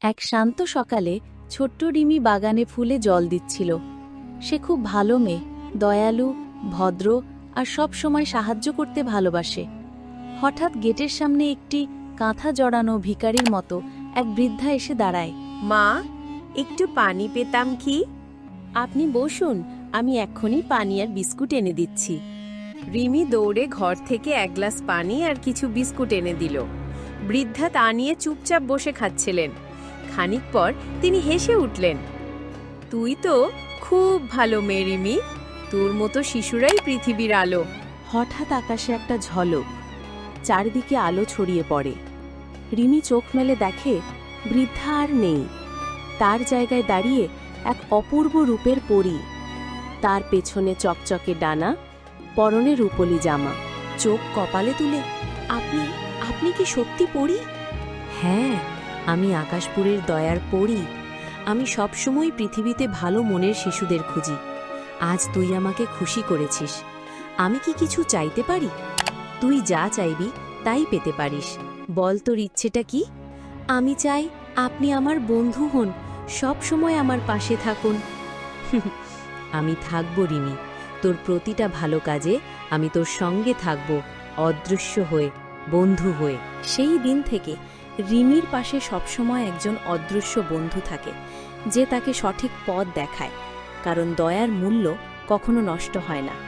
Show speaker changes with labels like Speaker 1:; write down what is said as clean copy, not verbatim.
Speaker 1: এক শান্ত সকালে ছোট্ট রিমি বাগানে ফুলে জল দিচ্ছিল। সে খুব ভালো মেয়ে, দয়ালু, ভদ্র আর সব সময় সাহায্য করতে ভালোবাসে। হঠাৎ গেটের সামনে একটি কাঁথা জড়ানো ভিখারির মতো এক বৃদ্ধা এসে দাঁড়ায়।
Speaker 2: মা, একটু পানি পেতাম কি?
Speaker 1: আপনি বসুন, আমি এক্ষুনি পানি আর বিস্কুট এনে দিচ্ছি।
Speaker 2: রিমি দৌড়ে ঘর থেকে এক গ্লাস পানি আর কিছু বিস্কুট এনে দিল। বৃদ্ধা তা নিয়ে চুপচাপ বসে খাচ্ছিলেন। খানিক পর তিনি হেসে উঠলেন। তুই তো খুব ভালো মেয়ে রিমি, তোর মতো শিশুরাই পৃথিবীর আলো।
Speaker 1: হঠাৎ আকাশে একটা ঝলক, চারিদিকে আলো ছড়িয়ে পড়ে। রিমি চোখ মেলে দেখে বৃদ্ধা আর নেই। তার জায়গায় দাঁড়িয়ে এক অপূর্ব রূপের পরী। তার পেছনে চকচকে ডানা, পরনে রূপলি জামা, চোখ কপালে তুলে, আপনি আপনি কি সত্যি পরী? হ্যাঁ, আমি আকাশপুরের দয়ার পরী। আমি সবসময় পৃথিবীতে ভালো মনের শিশুদের খুঁজি। আজ তুই আমাকে খুশি করেছিস। আমি কি কিছু চাইতে পারি? তুই যা চাইবি তাই পেতে পারিস। বল তোর ইচ্ছেটা কি? আমি চাই আপনি আমার বন্ধু হন, সব সময় আমার পাশে থাকুন। আমি থাকব রিমি, তোর প্রতিটা ভালো কাজে আমি তোর সঙ্গে থাকব, অদৃশ্য হয়ে, বন্ধু হয়ে। সেই দিন থেকে রিমির পাশে সবসময় একজন অদৃশ্য বন্ধু থাকে, যে তাকে সঠিক পথ দেখায়। কারণ দয়ার মূল্য কখনো নষ্ট হয় না।